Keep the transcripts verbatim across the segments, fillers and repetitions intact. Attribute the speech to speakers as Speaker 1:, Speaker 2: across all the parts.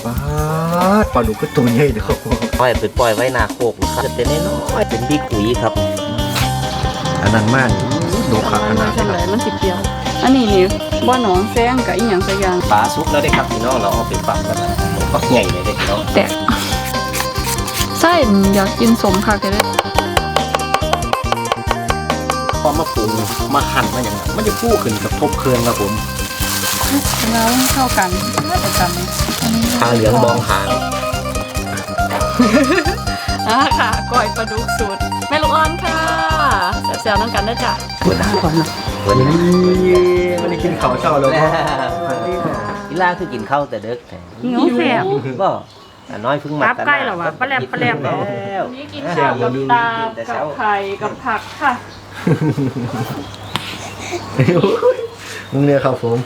Speaker 1: ปลาปลาดุกก็ตัวใหญ่เลยครับ
Speaker 2: ปล่อยไปปล่อยไว้นาโคกนะครับจะเป็นน้อยเป็นบิ๊กอุ๋ยครับ
Speaker 1: อันนั้นมากโดขาขนาด
Speaker 3: เฉลยมันสิเดียวอันนี้นี่บ่หนองแซงกับอีหยังสักอย่าง
Speaker 2: ปลาซุปแล้วได้ครับพี่น้องเราเอาไปฝักแล้วก็ใหญ่เลยเด็กน้อง
Speaker 3: แต่ไส้อยากกินสมค่ะก็ได้
Speaker 2: พอมาปรุงมาหั่นมาอย่างนั้นมันจะพูขึ้นกับทบเครื่องครับผม
Speaker 3: แล้วเข้ากันน่าจะกัน
Speaker 2: ทาเหลืองบองหาง
Speaker 3: อ่าค่ะก้อยปลาดุกสูตรแม่ลูกอ่อนค่ะแซวๆนั่งกันได้จ้ะปวดหน้าก่อนนะ
Speaker 2: วันนี้
Speaker 1: ไม่ได้กินข้าวเช้าแล้วก็
Speaker 2: กีฬาคือกินข้าวแต่เด็ก
Speaker 3: หิวแสบ
Speaker 2: บ่น้อยเพิ่งมา
Speaker 3: ใกล้หรอวะปลาแหลมปลาแหลมแล้วนี่กินข้าวกับตากับไข่กับผักค่ะ
Speaker 1: มึงเนี่ยครับผม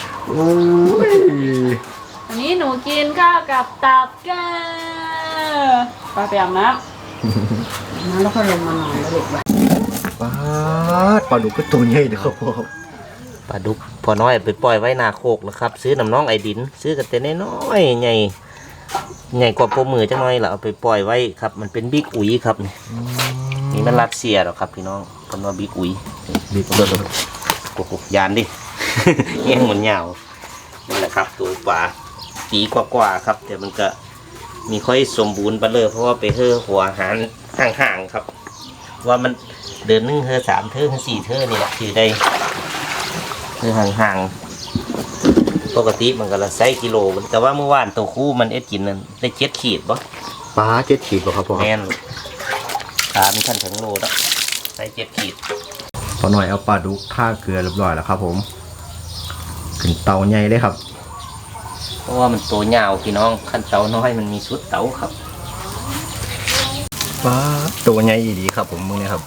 Speaker 3: อันนี้หนูกินข้าวกับตับแก่ปลาแปมนะน้ำแล้วก็ลงมาหน่อยแล้วเด็ก
Speaker 1: ปลาปลาดุกก็ตัวใหญ่เลยครับผม
Speaker 2: ปลาดุกพอน้อยไปปล่อยไว้นาโคกแล้วครับซื้อน้ำน้องไอดินซื้อกันแต่น้อยใหญ่ใหญ่กว่าโปมือจังน้อยแล้วเอาไปปล่อยไว้ครับมันเป็นบิ๊กอุ๋ยครับนี่นี่มันรัสเซียหรอครับพี่น้องเป็นว่าบิ๊กอุ๋ยบิ๊กตัวโอ้โหยานดิแย่งเหมือนเหงานี่แหละครับตัวปลาปีกว่าๆครับแต่มันก็มีค่อยสมบูรณ์ไปเลยเพราะว่าไปเฮ่อหัวอาหารห่างๆครับว่ามันเดินนึ่งเฮ่อสามเท่อสี่เท่อนี่แหละคือได้เฮ่อห่างๆปกติมันก็ละไซกิโลแต่ว่าเมื่อวานตัวคู่มันเอ็ดกินนั่นได้เจ็ดขีดบ่
Speaker 1: ปลาเจ็ดขีดบ่ครับพ่อ
Speaker 2: แม่นขามีขั้นถึงโลแล้วไซเจ็ดขีด
Speaker 1: พอหน่อยเอาปลาดุกท่าเกลือเรียบร้อยแล้วครับผมขึ้นเตาใหญ่เลยครับ
Speaker 2: เพราะว่ามันตัวยาวพี่น้องขั้นเตาน้อยมันมีชุดเตาครับ
Speaker 1: ปลาตัวใหญ่ดีครับผมมึงเนี่ยครับ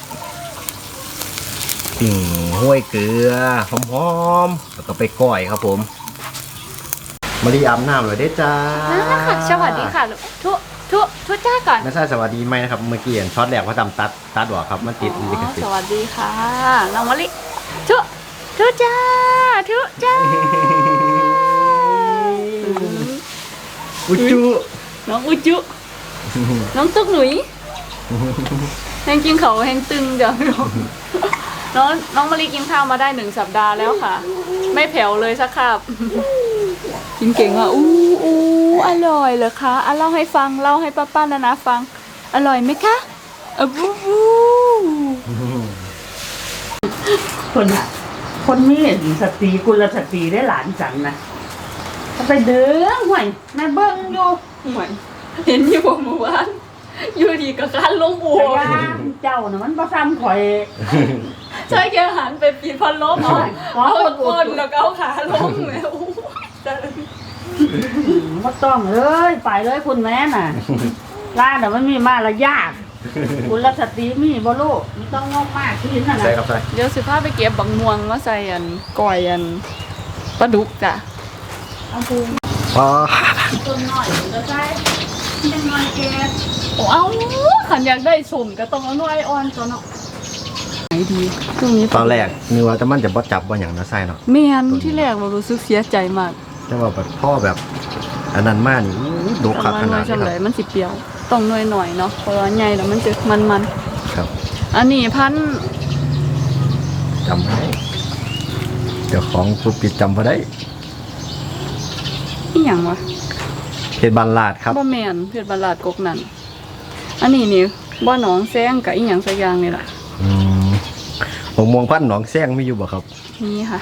Speaker 1: ปิ่งห้วยเกลือหอมๆแล้วก็ไปก้อยครับผมมาดีอาบน้ำเลยได้จ้า
Speaker 3: สวัสดีค่ะทุทุทุจ้าก่อน
Speaker 1: ไม่ใช่สวัสดีไหมนะครับเมื่อกี้เห็นช็อตแรกว่าทำตัดตัดหัวครับมันติดลิขสิทธิ์
Speaker 3: สวัสดีค่ะน้องมะลิทุทุจ้าทุจ้า
Speaker 1: อุจุ
Speaker 3: น้องอุจุน้องตุ๊กหนุ่ยแหงกินเขาแหงตึงเดี๋ยวน้องน้องมะลิกินข้าวมาได้หนึ่งสัปดาห์แล้วค่ะไม่แผ่วเลยสักคาบกินเก่งอ่ะอู้อู้อร่อยเหรอคะอ่ะเล่าให้ฟังเล่าให้ป้าป้านานาฟังอร่อยไหมคะอ่ะบูบู
Speaker 4: คนอ่ะคนมีสติกุลสติได้หลานจังนะไปเด้อห่วยแม่เบิ้งอยู่
Speaker 3: ห่วยเห็นอยู่เมื่อวานอยู่ดีกับการลงบัว
Speaker 4: เจ้าน่ะมันประซ้ำข่อย
Speaker 3: ใช่แกหันไปปีพันล้มเอาคนแล้วก็เอาขาล้มแม่โอ้
Speaker 4: ไม่ต้องเลยไปเลยคุณแม่น่ะร้านแต่มันมีมาละยากคุณรัชตีมีบ่ลูกไม่ต้องงอกมากที่นั่นนะ
Speaker 3: เดี๋ยวสิพาไปเก็บบังม่วงมาใส่อันก่อยอันปลาดุกจ้ะ
Speaker 4: เอาปู
Speaker 1: อ๋อ
Speaker 4: ต้นน้อยจะใส่เป็นน้อยแก
Speaker 3: โอ้เอาขันอยากได้สุ่มก็ต้องเอาหน่อยอ่อนตัวเนาะไหนดีตรงนี้
Speaker 1: ตอนแรกนึกว่าแต่มันจะบ่จับว่าอย่างน่าใส่เนาะ
Speaker 3: เมียนที่แรกเรารู้สึกเสียใจมาก
Speaker 1: แต่ว่าแบบพ่อแบบอันนั้นมากนี่ดูขาดขนาด
Speaker 3: นี้ครับมันสิเปรี้ยวต้องหน่อยหน่อยเนาะเพราะว่าใหญ่แล้วมันจะมันมัน
Speaker 1: ครับ
Speaker 3: อันนี้พัน
Speaker 1: จำได้เดี๋ยวของผู้ปิดจำพอได้
Speaker 3: อีหยังวะ
Speaker 1: เพชรบานลาดครับ
Speaker 3: บ่แม่นเพชรบานลาดกกนั่นอันนี้นี่บ่หนองแซงกับอีหยังสักอย่างนี่แหละ
Speaker 1: อืมผมมองพันหนองแซงมีอยู่บ่ครับ
Speaker 3: มีค่ะ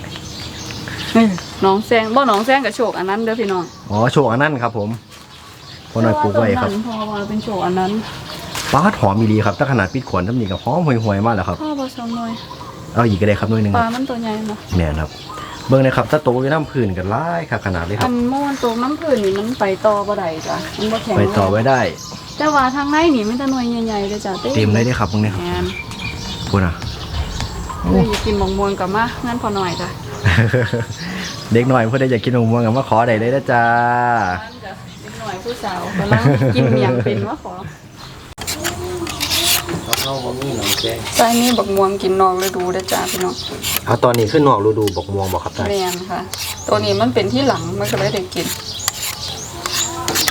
Speaker 3: หนองแซงบ่หนองแซงกับโชคอันนั้นเด้อพี่น้อง
Speaker 1: อ๋อโชคอันนั้นครับผมพอหน่อยปลูกไว้ครับ
Speaker 3: พอว่าเป็นโชคอันนั้น
Speaker 1: ปลาหอมมีดีครับถ้าขนาดปิดขวดทำนี่กับหอมห่วยๆมากแล้วครับ
Speaker 3: พ่อผสมหน่อย
Speaker 1: เอาอีกก็ได้ครับหน่อยนึง
Speaker 3: ปลามันตัวใหญ่เนาะ
Speaker 1: แม่นครับเบิ่งเลยครับถ้าโตอยู่น้ำพื้นกันไล่ค่ะขนาดเลยครับ
Speaker 3: อันเมื่อวันโตน้ำพื้นนี่มันไปต่อบ่ได้จ้ะมันบ่แข็ง
Speaker 1: ไปต่อไว้ได้
Speaker 3: แต่ว่าทางในนี่มันจะหน่วยใหญ่ๆเลยจ้ะ
Speaker 1: เต็มเลยได้ครับตรงนี้ครับพูดนะ
Speaker 3: เลยอยากกินมะม่วงกับมางั้นพอหน่อยจ้ะ
Speaker 1: เด็กหน่อยเพื่อได้อยากกินมะม่วงกับมาขอได้เลยนะจ้า
Speaker 3: เด็กหน่อยผู้สาวกำลังกินเมียงเป็นว่าขอ
Speaker 2: เข้าบะหมี่หนองแซง
Speaker 3: ใส่นี่บักม่วงกินนอกฤดูได้จ้าพี่น้อง
Speaker 1: เอาตอนนี้ขึ้นนอกฤดูบักม่วงบอกครับ
Speaker 3: ใช่แม่นค่ะตัวนี้มันเป็นที่หลังมันก็เลยได้กิน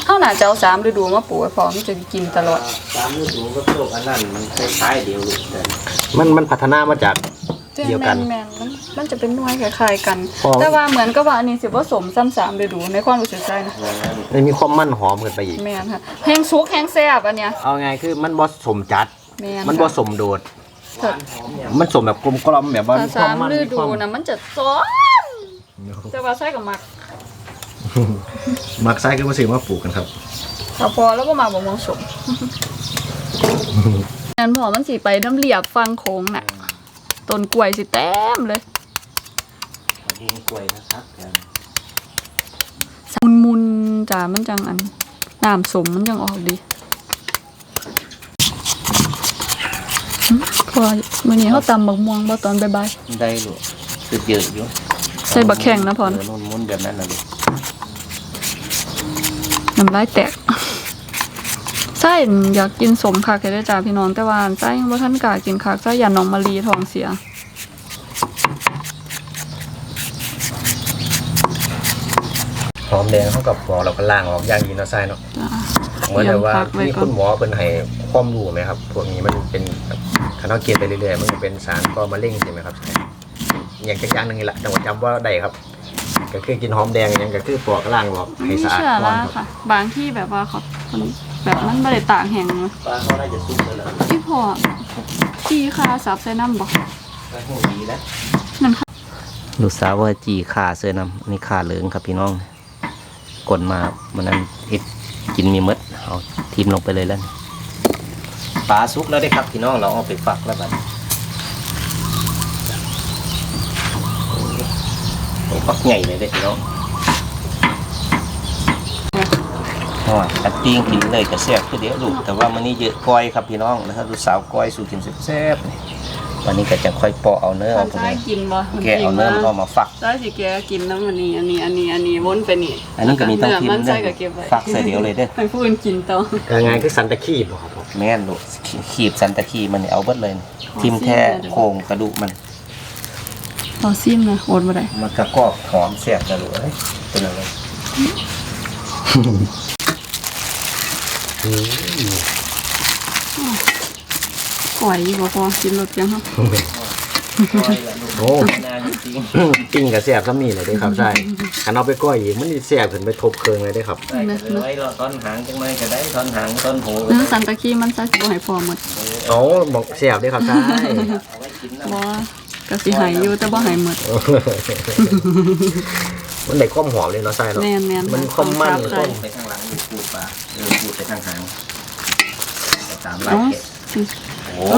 Speaker 3: เฮาน่าจะเอาสามฤดูมาปลูกไว้พอมันจะกินตลอด
Speaker 2: ตามฤดูก็โลกอันนั้นมันคล้ายๆเดียวลูกแต่
Speaker 1: มันมันพัฒนามาจาก เดียวกัน
Speaker 3: แม่นๆมันมันจะเป็นหน่วยคล้ายๆกัน
Speaker 1: พอ
Speaker 3: แต่ว่าเหมือนกับว่าอันนี้สิผสมซ้ำสามฤดูในความรู้สึกใจนะ
Speaker 1: มันมีความมันหอมขึ้นไปอีก
Speaker 3: แม่นค่ะแห้งซุกแห้งแซ่บอันเนี้ย
Speaker 1: เอาไงคือมันบ่สมจัด
Speaker 3: แม่น
Speaker 1: มันบ่
Speaker 3: ค่ะ
Speaker 1: สมโดด
Speaker 3: ถ้า
Speaker 1: มันสมแบบกลมกล่อมแบบว่า
Speaker 3: ถ้า
Speaker 1: มีควา
Speaker 3: สาม ม
Speaker 1: มัน
Speaker 3: ฤ
Speaker 1: มี
Speaker 3: ดู
Speaker 1: ความ
Speaker 3: นะมันจะซ้อน แต่ว่าใส่กับมัก
Speaker 1: มักไส้ก็มาซื้อมาปลูกกันครับ
Speaker 3: ถ้าพอแล้วก็มาบ่มองสมงั้นพอมันสิไปน้ำเหลียบฟังโค้งน่ะต้นกล้วยสิเต็มเลย
Speaker 2: ดินกล้วยนะครับแก
Speaker 3: มุนมุนๆจ้ามันจังอันน้ำสมมันจังออกดีหึพอมื้อนี้เขาตำบักม่วงบ่ตอนบ่าย
Speaker 2: ได้ลูกคือเยอะอยู่
Speaker 3: ๆใส่บักแข้งนะพอ
Speaker 2: เอ
Speaker 3: นะ
Speaker 2: อนุ่นมุนแบบนั้นนะลูก
Speaker 3: น้ำลายแตกไส้อยากกินสมคักเลยเด้อจ้าพี่น้องแต่ว่าไส้ยังบ่ทันกล้ากินคักไส้ยาน้องมะลีท้องเสีย
Speaker 1: หอมแดงเข้ากับหมอเราก็ล้างออกอย่างดีเนาะไส้เนาะ
Speaker 3: จ้า
Speaker 1: เหมือนแบบว่า
Speaker 3: พักไว้
Speaker 1: มี
Speaker 3: ก่อ
Speaker 1: คุ
Speaker 3: น
Speaker 1: ณหมอเป็นให้ความรู้ไหมครับพวกนี้มันเป็นคันเราเกินไปเรื่อยๆมันจะเป็นสารก่อมะเร็งใช่ไหมครับอย่างจักอย่างหนึงนี่แหละจังหวัดจำว่าได้ครับ ก็คือกินหอมแดงอย่างก็คือปอกล้างออกให้
Speaker 3: ไม่
Speaker 1: สะอาด
Speaker 3: เชื่อ
Speaker 1: ก่อน
Speaker 3: ละ
Speaker 1: ครับ
Speaker 3: ค่ะ บางที่แบบว่าเขาคนแบบมันไม่ได้ตากแห้งเลย
Speaker 2: ปลาเขาน่าจะสุกแล้วล่ะ
Speaker 3: ที่พอขี้คาสับใส่น้ำบอก
Speaker 2: ปลาหูดีแล้ว
Speaker 3: นั่นค่ะ
Speaker 2: ลูกสาวว่าจีขาเสื้อนำนี่ขาเหลืองครับพี่น้องกดมามันนั้นเอ็ดกินมีมดเอาทิมลงไปเลยแล้วนี่ปลาสุกแล้วได้ครับพี่น้องเราเอาไปฝักแล้วบัดโอ้ฝักใหญ่เลยเด้อพี่น้องอ๋อตัดติ้งกินเลยกระแซ่บคือเดี๋ยวลูกแต่ว่ามันนี่เยอะก้อยครับพี่น้องนะครับลูกสาวก้อยสู่กินแซ่บๆนี่วันนี้ก็จะค่อยเปาะเอาเนื้อ
Speaker 3: ตอ
Speaker 2: เอา
Speaker 3: น
Speaker 2: พวก
Speaker 3: ใช้
Speaker 2: นี้
Speaker 3: กินบ่
Speaker 2: แกะเอาเนื้อมันออกมาฝัก
Speaker 3: ใช้สิแกกินน้ำอันนี้อันนี้อันนี้อันนี้วนไปนี่
Speaker 2: อันนี้ก็มีต้องทิม
Speaker 3: มัน
Speaker 2: เด้
Speaker 3: ใส่
Speaker 2: อ
Speaker 3: กับเก็บไว้
Speaker 2: ฝักใส่เดียวเลยเด้อ
Speaker 3: ให้ผู้อื่นกินต่อ
Speaker 1: ยังไงคือสันตะคีบบ่ครับผม
Speaker 2: แม่นลูกขีบสันตะคีมันนี่เอาเบิดเลยนี่ทิมแค่โครงกระดูกมัน
Speaker 3: ต่อซิมนะโอดมาได้
Speaker 2: มันกระกรอบหอมแซ่บนะลูกเอ้ยเป็นอะไร
Speaker 3: ก่อยอยู่บ่พอกินรสยังครับ
Speaker 1: โอ้
Speaker 2: นาจริง
Speaker 1: ปิ้งกับแซ่บซ้ำนี่เลยเด้อครับใช่คันเอาไปก้อยอีกมันนี่แซ่บขึ้นไปทบเครื่องเลยเด้อครับ
Speaker 2: ใส่กันไว้รอต้นหางจังไรก็ได้ต้นหางต้นหู
Speaker 3: เนื้อสันตะคีมันใส่สิบ่ให้พอหมด
Speaker 1: โอ้บอกแซ่บเด้อครับใช่
Speaker 2: เอาไว้กินนะ
Speaker 3: บ่ก็สิให้อยู่แต่บ่ให้หมด
Speaker 1: มันได้ความหอมเลยเนาะใช่เนาะ
Speaker 3: แม่นๆ
Speaker 1: มันความมัน
Speaker 3: ใส่
Speaker 2: ไปข้างหลังอยู่ปูดปลาเออปูดไปข้างหางไปตามลาย
Speaker 3: เอ้า
Speaker 2: เกล็ดโอ้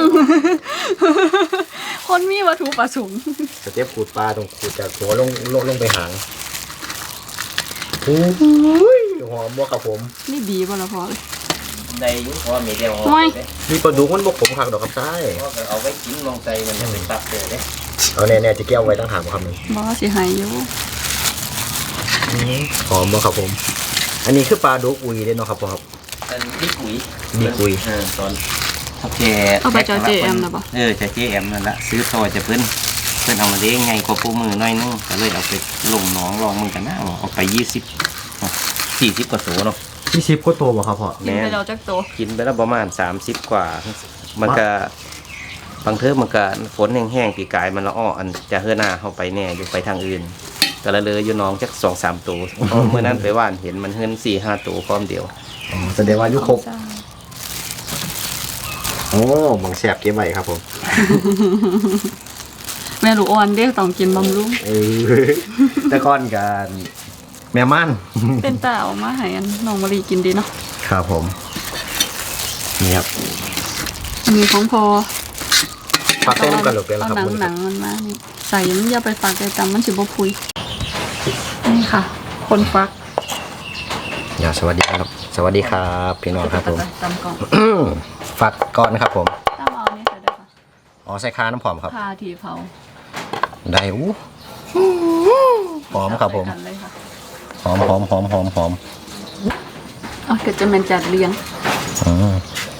Speaker 3: คนมีวัตถุประสงค์
Speaker 1: สเต็ปขูดปลาตรงขูดจากหัวลงลงลงไปหางโอ้ยหอมบ่ครับผม
Speaker 3: นี่ดีบ่ละพอเลย
Speaker 2: ได้อยุ่เพราะว่ามีเดียว
Speaker 3: โอ้ย
Speaker 1: มีปลาดุกมันบ่ขมคักดอกครับใช่
Speaker 2: เพราะว่าเอาไว้กินลงใจมันจะไปตับเลยเด้
Speaker 1: เอาแน่ๆจะเกี่ยวไว้ตั้งหางบ่ครับนี่
Speaker 3: บ่สิให้อยู่
Speaker 1: หอมบ่ครับผม อันนี้คือปลาดุกอุยเด้เนาะครับพ่อครับ
Speaker 2: เป็นบิ๊กอุ๋ย
Speaker 1: บิ๊กอุ๋ย
Speaker 2: เออตอนเท่าแก
Speaker 3: เอาไปจอเจแอมนะบ่
Speaker 2: เออจะเจแอมนั่นละซื้อต่อจะเพิ่นเพิ่นเอามาเลี้ยงไงกว่าปูมือหน้อยนึงก็เลยเอาไปลงหนองลองมือกันนะเอาไปยี่สิบสี่สิบกว่าโสเนาะ
Speaker 1: พี่ชิปก็โตบ่ครับพ่อ
Speaker 3: กินไปแล้วจักโต
Speaker 2: กินไปแล้วประมาณสามสิบกว่า มันก็บางเทอมมันก็ฝนแห้งๆปีกายมันละอ้ออันจะเฮือหน้าเข้าไปแน่อยู่ไปทางอื่นก็ละเลยอยู่น้องจักสองสามตัวเพราะเมื่อนั้นไปว่านเห็นมันเฮือนสี่ห้าตัวพร้อมเดียว
Speaker 1: อ๋อแสดงว่าอายุครบโอ้หมองแสบเก็บไว้ครับผม
Speaker 3: แม่ลูกอ่อนเด้ต้องกินบำรุง
Speaker 1: เออแต่ก่อนกันแม่ม่าน
Speaker 3: เป็นตาเอามาให้อันน้องมะลิกินดีเนาะ
Speaker 1: ครับผม นี่ครับ
Speaker 3: อันนี้ของพอ
Speaker 1: ปักเส้นำกันหรือเป็นแล้ว
Speaker 3: เอา
Speaker 1: ครับ
Speaker 3: หนัง
Speaker 1: คุณ
Speaker 3: หนังมันมานี่ใส่มันอย่าไปฟักไอ้ตำมันสิบ่พุยนี่ค่ะ คนฟัก
Speaker 1: อย่าสวัสดีครับ สวัสดีครับ พี่น้องครับผม
Speaker 3: ตำก่อน
Speaker 1: ฝักก่อนครับผม
Speaker 3: ตำเอานี่ใส่ได้ค่ะ
Speaker 1: อ๋อใส่คาน้ำหอมครับ
Speaker 3: พาทีเผา
Speaker 1: ได้อู้หอมครับผม
Speaker 3: ใส่กันเลยค่ะ
Speaker 1: หอมหอมหอมหอมหอม
Speaker 3: เอาเกิดจะเป็นจัดเลี้ยง
Speaker 1: อืม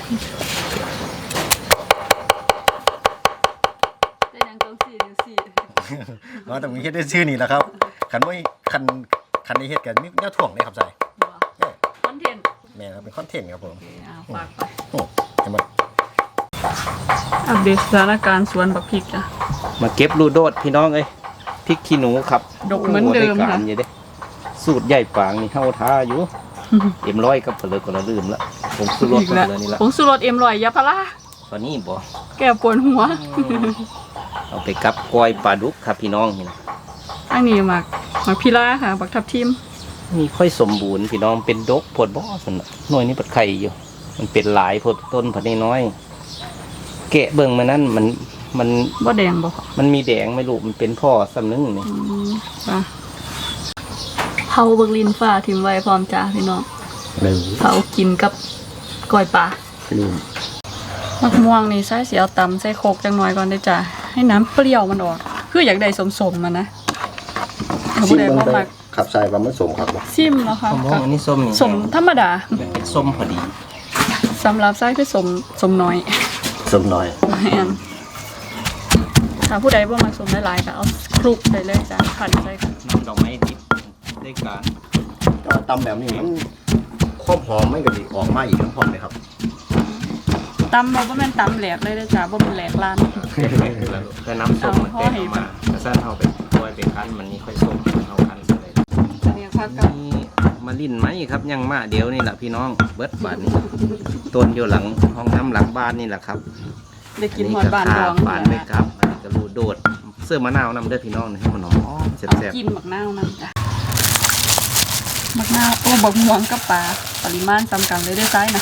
Speaker 3: ได้ยังต้องสี่หรือสี่
Speaker 1: อ๋อแต่มีเฮ็ดได้ชื่อนี่แหละครับคันไม่คันคันนี้เฮ็ดกันมีแนวถ่วงได้ครับใส่
Speaker 3: บ่อนเทนต์
Speaker 1: แม่ครับเป็นคอนเทนต์ครับผม
Speaker 3: โอเคเอาฝากไป
Speaker 1: โอ้จะมา
Speaker 3: อัปเดตสถานการณ์สวนบักพริกจ้ะ
Speaker 2: มาเก็บลูโดดพี่น้องเอ้ยพริกขี้หนูครับ
Speaker 3: ดกเหมือนเดิม
Speaker 2: โอ้โหไการ
Speaker 3: ค่ะ
Speaker 2: อยู่เด้สูตรใหญ่ปางนี่เข้าท่าอยู่ เอ็มร้อยกับเปลือกก็ละลืมละผมซื้อรถ
Speaker 3: อีก
Speaker 2: มา
Speaker 3: แล้ว
Speaker 2: เลยนี่ละ
Speaker 3: ผงสุรสเอ็มลอยยาพารา
Speaker 2: ตอนนี้บ่
Speaker 3: แก้ปวดหัว
Speaker 2: เอาไปกับกล้อยปลาดุกครับพี่น้องนี่นะ
Speaker 3: อันนี้หมักหมักพิล่าค่ะบักทับทิม
Speaker 2: มีค่อยสมบูรณ์พี่น้องเป็นดกผดบ่สนะหน่วยนี้ปัดไข่อยู่ มันเป็นหลายผดต้นผดน้อยๆแกะเบิ่งมานั่นมันมัน
Speaker 3: บ่แดงบ่ค่ะ
Speaker 2: มันมีแดงไม่รู้มันเป็นพ่อซ้ำนึงนี่
Speaker 3: อืมค่ะเผาเบิกลินฟ้าทิมไว้พร้อมจ้าพี่น้อง
Speaker 1: เลย
Speaker 3: เผากินกับก้อยปลา
Speaker 1: ลืม
Speaker 3: มะม่วงนี่ใส่เสียวตำใส่โคกจังหน่อยก่อนได้จ้ะให้น้ำเปรี้ยวมันออก คืออยากได้สมๆมันนะถ้า
Speaker 1: ชิ
Speaker 3: ผู้
Speaker 1: ม
Speaker 3: ใด
Speaker 1: มัน
Speaker 3: บ่
Speaker 1: ไป
Speaker 3: มัก
Speaker 1: ขับใส่ปลาหมึกสมครับ
Speaker 3: ซิมแล้วค่ะ
Speaker 2: มะม่วงอันนี้ส้มนี่
Speaker 3: สมธรรมดา
Speaker 2: เป็นส้มพอดี
Speaker 3: สำหรับไส้คือสมสมน้อย
Speaker 1: สมหน่อย
Speaker 3: แม่นถ้าผู้ใดบ่มักสมหลายๆก็เอาคลุกใส่เลยจ้ะขันใส่ค่ะ
Speaker 2: น้ำดอกไม้ดิบได้การ
Speaker 1: ก็ตำแบบนี้มันความหอมไม่กระดิออกมาอีกทั้งพร้อมเลยครับ
Speaker 3: ตำเราบ่แม่นตำแหลกเลยเด้อจ้ะบ่เป็นแหลกร้าน
Speaker 2: แต่น้ำส้มมัน
Speaker 3: เอา
Speaker 2: เต็ม
Speaker 3: ให้
Speaker 2: ออกมาถ้าสั้นเอาไปกล้วยไปคั้นมันนี่ค่อยส้มเอาคั้นใส่เลย
Speaker 3: อันนี้ค่ะกับ
Speaker 2: นี่มาลิ้นไหมครับยังมาเดี๋ยวนี่แหละพี่น้องเบิดบานนี่ต้นอยู่หลังห้องน้ำหลังบ้านนี่แหละครับ
Speaker 3: ได้กินหอดบานดอง
Speaker 2: บานเลยครับอันนี้ก็รูดโดดเสื้อมะนาวนำเด้อพี่น้องให้มันหอมๆแ
Speaker 3: เอา
Speaker 2: ซ่บ
Speaker 3: กินบักนาวนั่นจ้ะบักนาวโอ้บักม่วงกับปลาปริมาณจำกันเลยเด้อซ้ายนะ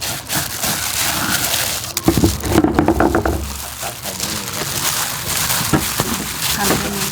Speaker 3: หั่นไปเลย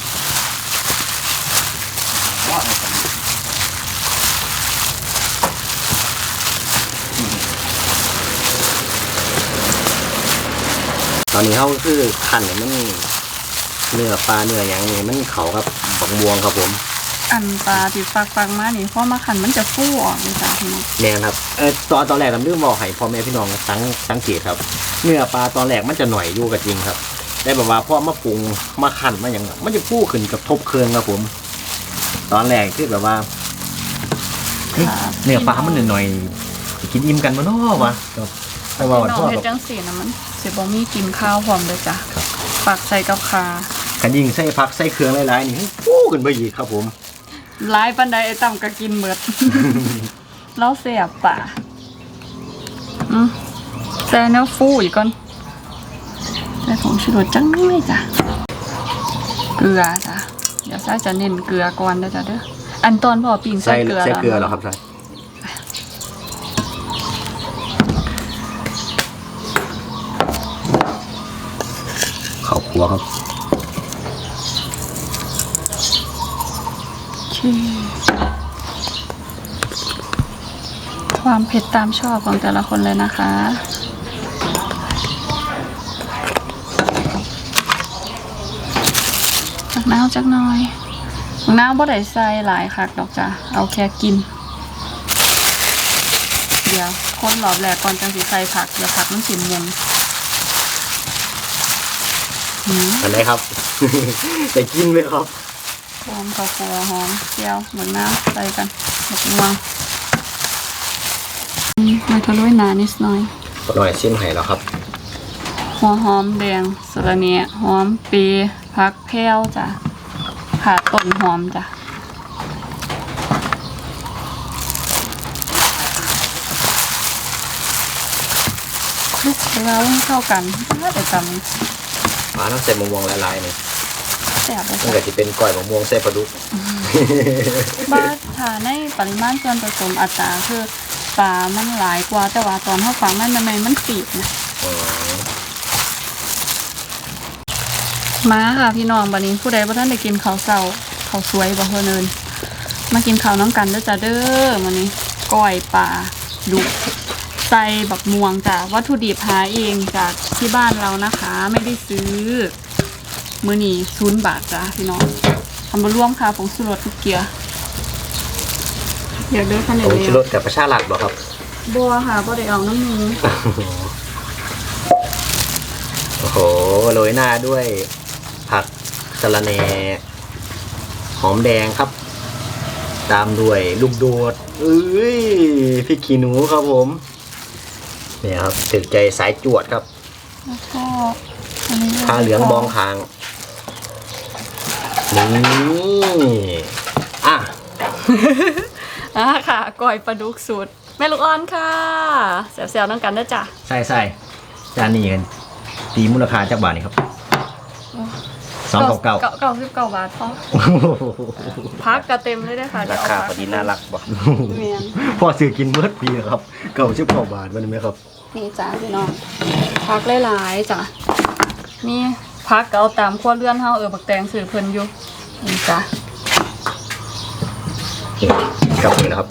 Speaker 1: ตอนนี้เขาคือขันเนี่ยมันเนื้อปลาเนื้ออย่างนี้มันเขาครับบักม่วงครับผม
Speaker 3: อันปลาที่ฟักฟักมานี่พอมาขันมันจะฟูออกเลยจ้ะพี่น้อง
Speaker 1: แน่ครับเออตอนตอนแรกผมเรื่องบอกให้พ่อแม่พี่น้องสังสังเกตครับ เนื้อปลาตอนแรกมันจะหน่อยอยู่กับจริงครับได้แบบว่าพอมาปรุงมาขันมาอย่างมันจะฟูขึ้นกับทบเครื่องครับผม ตอนแรกคือแบบว่าเฮ้ยเนื้อปลามันหน่อยๆจะกินอิ่มกันมั้เนาะวะครับแต่ว่า
Speaker 3: พี่น้
Speaker 1: พ่
Speaker 3: อ
Speaker 1: อง
Speaker 3: เฮ็ดจังสีนะมันสิบ่มีกินข้าวพร้อมเลยจ้ะปักใส่กับคา
Speaker 1: กันยิงใส่ผักใส่เครื่องหลายๆนี่ฟูขึ้นไปอีกครับผม
Speaker 3: หลายปันใดไอ้ต่ำก็กินเบิด แล้วเสียบป่าอืมแซ่เนื้อฟูอีกก่อนใส่ผงชูรสจังเลยจ้ะเกลือจ้ะเดี๋ยวใส่จะเน้นเกลือก่อนนะจ้ะเด้ออันตอนพอปิ้งใส่
Speaker 1: ใส่
Speaker 3: เกลือ
Speaker 1: ใส่เกลือเหรอ
Speaker 3: แล้ว
Speaker 1: ครับใส่ข้าวคั่วครับ
Speaker 3: โอเคความเผ็ดตามชอบของแต่ละคนเลยนะคะจักน้ำจักหน่อยน้ำบ่ได้ใส่หลายคักดอกจ้ะเอาแค่กิน เดี๋ยวคนรอบแรกก่อนจังสิใส่ผักเดี๋ยวผักมันสิมุนหืม
Speaker 1: อันไหนครับ แต่กินเลยครับ
Speaker 3: หอมข้าวคั่วหอมเจียวเหมือนน้ำใส่กันหมกม่วงอืมมันทะลุยหนานิดหน่อย
Speaker 1: หน่อยชิมให้แล้วครับ
Speaker 3: หัวหอมแดงสะระเนียหอมปีผักแพรวจ้ะขาต้นหอมจ้ะคลุกแล้วให้เข้ากันถ้าแต่จ
Speaker 1: ปลาต้องใส่มะม่วงละลายนี่
Speaker 3: ำแซ่บเลย
Speaker 1: มัน
Speaker 3: จ้ะ
Speaker 1: ก็จะเป็นก้อยมะม่วงใส่ปลาดุก
Speaker 3: บ้าทาในปริมาณส่วนผสมอัตราคือปลามันหลายกว่าแต่ว่าตอนเขาฟังมันทำไมมันปีกนะ
Speaker 1: อ๋อ
Speaker 3: มาค่ะพี่น้องบัดนี้ผู้ใดบ่ท่านได้กินข้าวเช้าข้าวสวยบ่เพิ่นเอิ้นมากินข้าวน้ำกันเด้อจ้าเด้อมื้อนี้ก้อยปลาดุกใส่บักม่วงจ้ะวัตถุดิบหาเองจากที่บ้านเรานะคะ ไม่ได้ซื้อมื้อนี้ศูนย์บาทจ้ะพี่น้องทำบ่รวมค่ะผงชูรสทุกเกียร์อยากเด้อคันเดี
Speaker 1: ผ
Speaker 3: ยว
Speaker 1: งชูรสกับประชาหลักเหรอครับ
Speaker 3: บัวค่ะบ่ได้เอาน้ำมู
Speaker 1: โอ้โหโรยหน้าด้วยผักสะระแหน่หอมแดงครับตามด้วยลูกโดดเอ้ยพริกขี้หนูครับผมเนี่ยครับถึกใจสายจวดครับ
Speaker 3: แล้วก็อันนี้
Speaker 1: ผ้าเหลืองบองคางนี่อ่ะ
Speaker 3: อ่ะค่ะก้อยปลาดุกสูตรแม่ลูกอ่อนค่ะแซวๆน้องกันนะจ้ะ
Speaker 1: ใส่ใส่จานนี้กันตีมูลค่าจากบาทนี่ครับสองเก้าเก้า
Speaker 3: เก้าสิบเก้าบาทพอพักกระเต็มเลยได้อค่ะเดี๋
Speaker 2: รา
Speaker 3: ยวเอา
Speaker 2: คา
Speaker 3: พั
Speaker 2: พอดีน่ารักบ่
Speaker 3: เมียน
Speaker 1: พอซื้อกินเมื่อปีครับเก้าสิบเก้าบาทมันไหมครับ
Speaker 3: นี่จ้าพี่น้องพักหลายๆจ้ะนี่พักก็เอาตามขั้วเลื่อนเฮาเออบักแตงสื่อเพิ่นอยู่นี่จ้ะ
Speaker 1: กับนี่นะครับ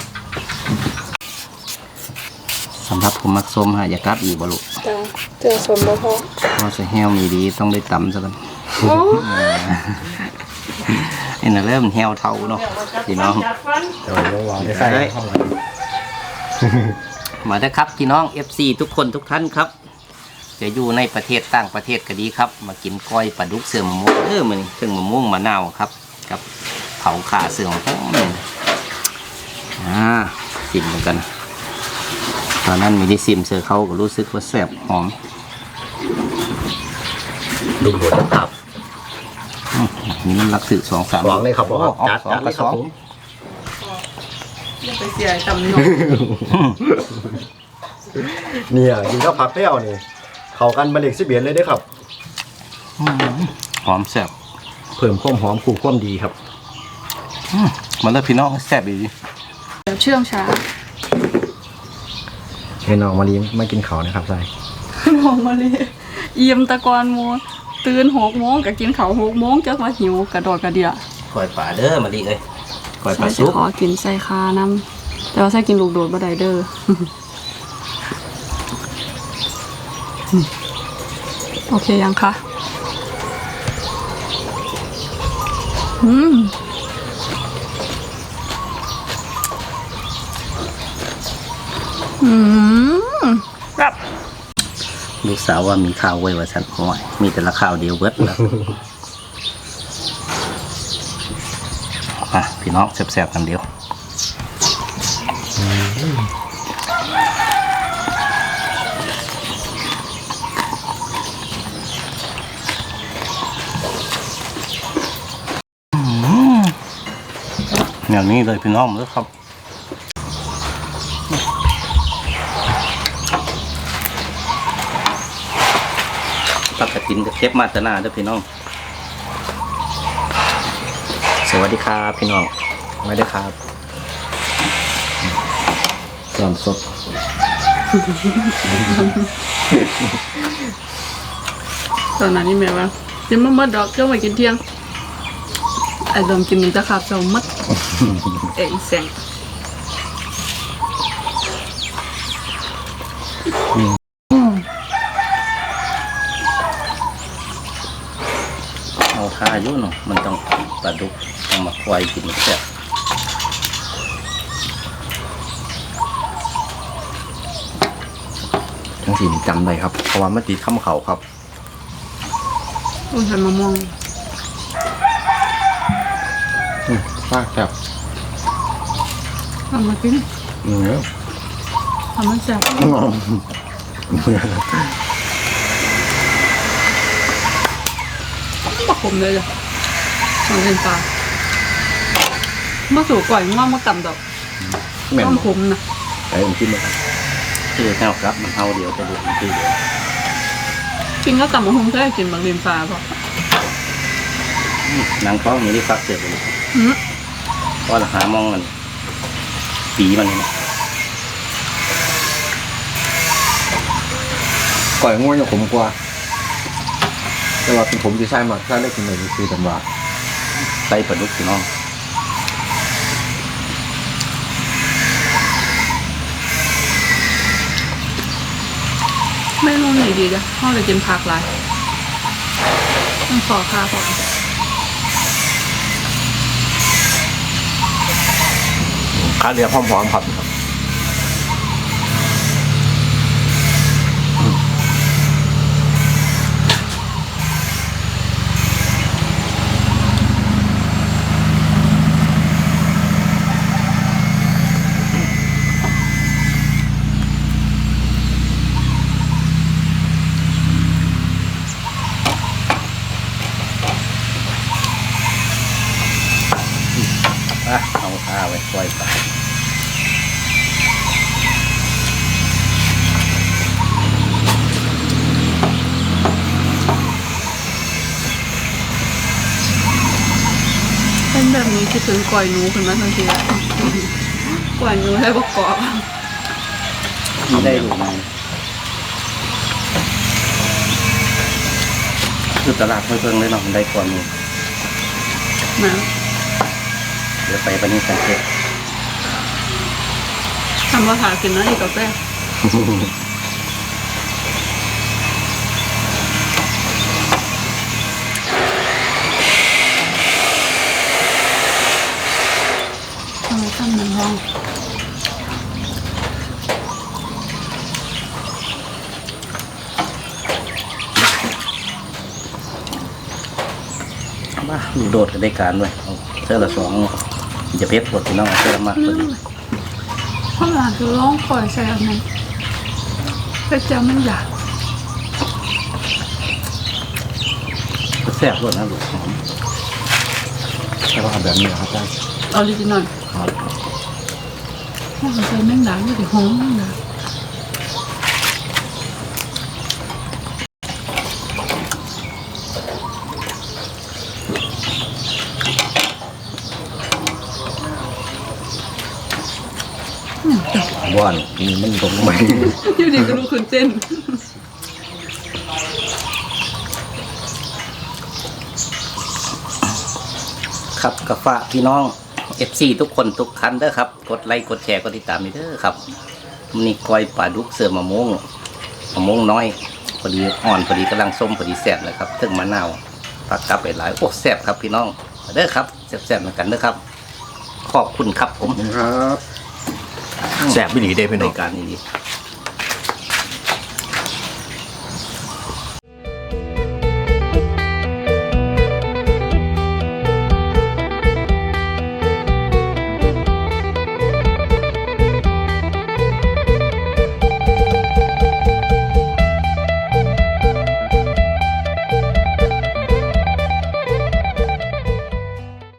Speaker 2: สำหรับผมมักส้มฮะอย่ากลับอีกบ่ลูก
Speaker 3: จ้ะเจอสมบ่พอ
Speaker 2: เพราะจะแห้วมีดีต้องได้ตำซะกัน
Speaker 3: โอ้
Speaker 2: เอ็นนะเริ่มแห้วเท่าเนาะพี่น้อง
Speaker 1: เดี๋ยวเราวางได้ใส่
Speaker 2: เฮ้ย มาได้อครับพี่น้อง เอฟ ซี ทุกคนทุกท่านครับ จะอยู่ในประเทศต่างประเทศก็ดีครับ มากินก้อยปลาดุกเสื่อมมะม่วงเออมันเครื่องมะม่วงมะนาวครับ กับเผาขาเสื่อมหอมอ่าชิมเหมือนกัน ตอนนั้นมีได้ซิมเสือเขาก็รู้สึกว่าแซ่บหอม
Speaker 1: ดูหัวจะตับ
Speaker 2: อืมนี่มันรักสึกสองสาม
Speaker 1: หวังเลยครับผม
Speaker 2: โอ้
Speaker 1: จัด
Speaker 2: สอง
Speaker 1: จัด
Speaker 2: ก
Speaker 1: เล
Speaker 2: ระ
Speaker 1: ย
Speaker 2: ส
Speaker 1: ครับ
Speaker 2: อง
Speaker 1: ผม
Speaker 3: อย่าไปเสียตำนอง
Speaker 1: เนี่ยกินข้าวผักเปรี้ยวนี่เข้ากันมาเล็กสิเบียนเลยเด้อครับ
Speaker 2: อืมหอมแซ่บ
Speaker 1: เพิ่มความหอมคู่ความดีครับ
Speaker 2: อืมมันเลยพี่น้องแซ่บดี
Speaker 3: เดี๋ยวเชื่องช้า
Speaker 1: ให้น้องมาลีมากินเขาวนะครับใส่
Speaker 3: น้องมาเลยเอี่ยมตะกอนโมตื่นหกโมงก็กินข้าวหกโมงจักว่าหิวกระโดดกระเดีย
Speaker 2: ก้อยปลาเด้อมาดีเลยก้อยปลา
Speaker 3: ใส่
Speaker 2: ซุป
Speaker 3: ขอกินใส่คาน้ำแต่ว่าใส่กินลูกโดดบ่ได้เด้อ โอเคยังคะอืมอืมแบบ
Speaker 2: ลูกสาวว่ามีข้าวไว้ว่าสันห่วยมีแต่ละข้าวเดียวเบิดแล้วอ่ะพี่น้องแซ่บๆกันเดียวอย่างนี้เลยพี่น้องเลยครับตักกระตินกับเทปมาตนาเด้อพี่น้อง
Speaker 1: สวัสดีครับพี่น้องมาได้อครับสอนสด
Speaker 3: ตอนนั้นนี่แม่ว่ากินมะมัดดอกเจ้ามากินเที่ยงไอ้ดมกินมันจะขาดเจ้ามัด เอ้ยแสง
Speaker 2: เอาท่าอยู่เนาะมันต้องปลาดุกต้องมาควายกินแซ่บ
Speaker 1: ทั้งสี่จำได้ครับเพราะว่ามันติดข้ามเขาครับ
Speaker 3: อุ้ยใส่มะม่วง
Speaker 1: ฟากครับ
Speaker 3: เอามากิน
Speaker 1: เนื้อ
Speaker 3: ทำมันแซ่บปะขมเลยจ้ะสองเส้นปลามาสู่ก่อยง่วงมากำดอก
Speaker 1: แม่น
Speaker 3: ต้ม
Speaker 1: บ่
Speaker 3: ขมนะ
Speaker 1: ไอ้ผมกินมาครับ
Speaker 2: คือแค่ครับมันเท่าเดียวจะดูมันคือเดียว
Speaker 3: กินก็กำมะฮุงแค่กินบางเรียนปลาพอน
Speaker 2: างฟ้องมีได้ฟักเสร็จเลย
Speaker 3: อืม
Speaker 2: เพราะราคามองมันปีมันนี่นะ
Speaker 1: ก่อยง่วงจะขมกว่าแต่ว่าเป็นผมที่ใช่มากถ้าได้กินเลยคือตำรา
Speaker 2: ใส่ปลาดุกพี่น้อง
Speaker 3: ไม่รู้ไหนดีจ้ะพ่อเลยกินผักหลายต้องขอค่าพอ
Speaker 1: ข้าเรือพร้อมๆครับ
Speaker 2: ปล่อยปลา
Speaker 3: เป็นแบบนี้คิดถึงก่อยหนูขึ้นมาทันทีอะก่อยหนูให้ประกอบ
Speaker 2: ไม่ได้ลูกไหมคือตลาดเพิ่งๆเลยเนาะมันได้กว่านี้
Speaker 3: นะ
Speaker 2: เดี๋ยวไปปนี้สังเกต
Speaker 3: ทำภาษากินนะอีกกาแฟ ทำไมตั้งหนึ่งห้อง
Speaker 2: มาลูกโดดก็ได้การด้วยเอาเสื้อละสองจะเพชรปวดพี่น้องเอาเสื้อละมากพอดี
Speaker 3: ข้าวหลามคือร้องก่อยใส่อันนั้นพระเจ้ามันอยาก
Speaker 2: แซ่บรวดนะลูกหอม
Speaker 1: ใช่ว่าเอาแบบนี้เหรอครับได้
Speaker 3: ออริจินอล
Speaker 1: ครับ
Speaker 3: ข้าวหลามใส่แมงดาไม่ได้หอมแมงดาเนี่ยแต่
Speaker 1: ว่านนี่มันตรงไหม
Speaker 3: อยู่ดีก็รู้คุณเจน
Speaker 2: ครับกับฝากพี่น้อง เอฟ ซี ทุกคนทุกคันเด้อครับกดไลค์กดแชร์กดติดตามนี่เด้อครับมันนี่กอยปลาดุกเสือมะม่วงมะม่วงน้อยพอดีอ่อนพอดีกำลังส้มพอดีแซ่บเลยครับถึงมะนาวผักกับไปหลายโอ้แซ่บครับพี่น้องเด้อครับแซ่บๆเหมือนกันเด้อครับขอบคุณครับผม
Speaker 1: ครับแสบไม่ดีเด้พี่น้อง
Speaker 2: รายการนี้